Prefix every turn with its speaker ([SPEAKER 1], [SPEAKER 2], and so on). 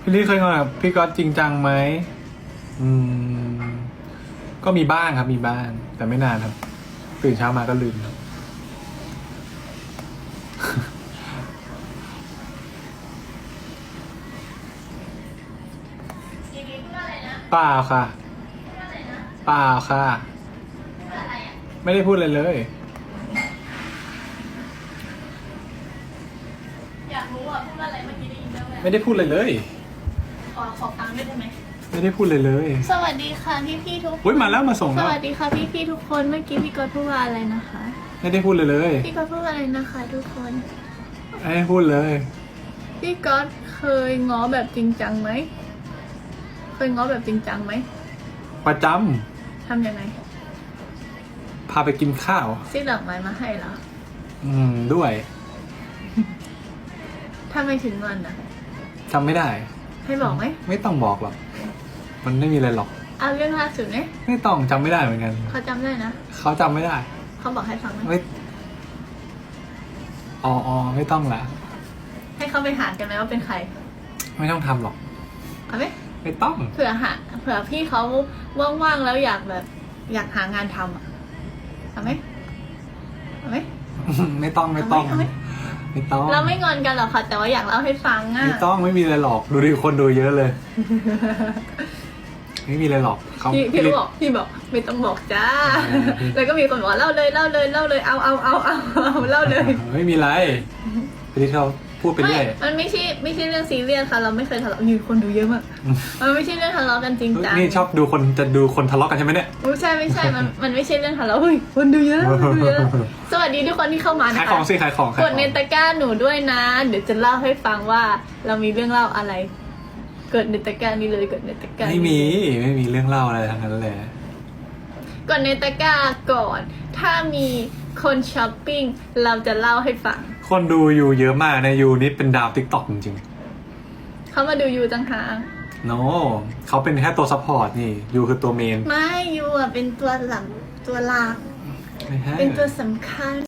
[SPEAKER 1] พี่ลี่เคยงอนกับพี่ก๊อตจริงจังไหมก็มีบ้างครับมีบ้างแต่ไม่นานครับตื่นเช้ามาก็ลืมครับเปล่าค่ะเปล่าค่ะไม่ได้พูดอะไรเลย
[SPEAKER 2] อยากรู้อ่ะพูดอะไรเมื่อกี้ได้ยินแล้วไหม
[SPEAKER 1] ไม่ได้พูดอะไรเลย
[SPEAKER 2] ขอฟังด้วยได้ไหม
[SPEAKER 1] ไม่ได้พูดเลยเลย
[SPEAKER 2] สวัสดีค่ะพี่ทุกคน
[SPEAKER 1] อุ๊ยมาแล้วมาส่ง
[SPEAKER 2] ส
[SPEAKER 1] แล้ว
[SPEAKER 2] วัสดีค่ะพี่ทุกคนเมื่อกี้พี่ก๊อตพูดว่าอะไรนะคะ
[SPEAKER 1] ไม่ได้พูดเลยเลย
[SPEAKER 2] พี่ก๊อตพูดว่าอะไรนะคะ ทุกคน
[SPEAKER 1] ไม่ได้พูดเลย
[SPEAKER 2] พี่ก๊อตเคยง้อแบบจริงจังไหมเคยง้อแบบจริงจังไหม
[SPEAKER 1] ประจ
[SPEAKER 2] ทำยังไง
[SPEAKER 1] ำพาไปกินข้าว
[SPEAKER 2] ซื้อดอกไม้มาให้เหรอ
[SPEAKER 1] ด้วย
[SPEAKER 2] ถ้าไม่ถึงงอนนะ
[SPEAKER 1] จำไม่ได้
[SPEAKER 2] ให้บอกไหม
[SPEAKER 1] ไม่ต้องบอกหรอกมันไม่มีอะไรหรอก
[SPEAKER 2] เอาเรื่องล่าสุดเนี่ย
[SPEAKER 1] ไม่ต้องจำไม่ได้เหมือนกัน
[SPEAKER 2] เขาจำได้นะ
[SPEAKER 1] เขาจำไม่ได้
[SPEAKER 2] เขาบอกให้ฟังไหม
[SPEAKER 1] ไม่อ๋อไม่ต้องละ
[SPEAKER 2] ให้เขาไปหากันไหมว่าเป็นใคร
[SPEAKER 1] ไม่ต้องทำหรอก
[SPEAKER 2] เอาไหม
[SPEAKER 1] ไม่ต้อง
[SPEAKER 2] เผื่อพี่เขาว่างๆแล้วอยากแบบอยากหางานทำอ่ะเอาไหมเอาไหม
[SPEAKER 1] ไม่ต้องไม่ต้อง
[SPEAKER 2] เอาไหม
[SPEAKER 1] ไม่ต้อง
[SPEAKER 2] เราไม่งอนกันหรอกค่ะ แต่ว่าอยากเล่าให้ฟังอ่ะ
[SPEAKER 1] ไม่ต้องไม่มีอะไรหรอกดูดิคนดูเยอะเลย ไม่มีอะไรหรอกเขา
[SPEAKER 2] พี่บอกไม่ต้องบอกจ้า
[SPEAKER 1] พี่
[SPEAKER 2] แล้วก็มีคนบอกว่าเล่าเลยเอาเล่าเลย
[SPEAKER 1] ไม่มีอะไรพี่เขาพูดไปเรื่อย
[SPEAKER 2] มันไม่ใช่เรื่องซีเรียสค่ะ เราไม่เคยทะเลาะมีคนดูเยอะมากมันไม่ใช่เรื่องทะเลาะกันจริงจัง
[SPEAKER 1] นี่ชอบดูคนทะเลาะกันใช่ไหมเนี่ย
[SPEAKER 2] ไม่ใช่มันไม่ใช่เรื่องทะเลาะเฮ้ยคนดูเยอะสวัสดีทุกคนที่เข้ามานะ
[SPEAKER 1] ขาย
[SPEAKER 2] คะ
[SPEAKER 1] ของสิขายของ
[SPEAKER 2] กดในตะกร้าหนูด้วยนะ เดี๋ยวจะเล่าให้ฟังว่าเรามีเรื่องเล่าอะไรกดในตะกร้านี้เลยกดในตะกร้า
[SPEAKER 1] ไม่มีเรื่องเล่าอะไรทั้งนั้นเลย
[SPEAKER 2] กดในตะกร้าก่อน ถ้ามีคนช้อปปิ้งเราจะเล่าให้ฟัง
[SPEAKER 1] คนดูอยู่เยอะมากนะยูนี่เป็นดาวติ๊กต็อกจริง
[SPEAKER 2] เขามาดูยูจังหาก
[SPEAKER 1] ๆโนเขาเป็นแค่ตัวซัพพอร์ตนี่ยูคือตัวเมน
[SPEAKER 2] ไม่ยูอ่ะเป็นตัวหลัก
[SPEAKER 1] ไม่ใช่
[SPEAKER 2] เป็นตัวสำคัญ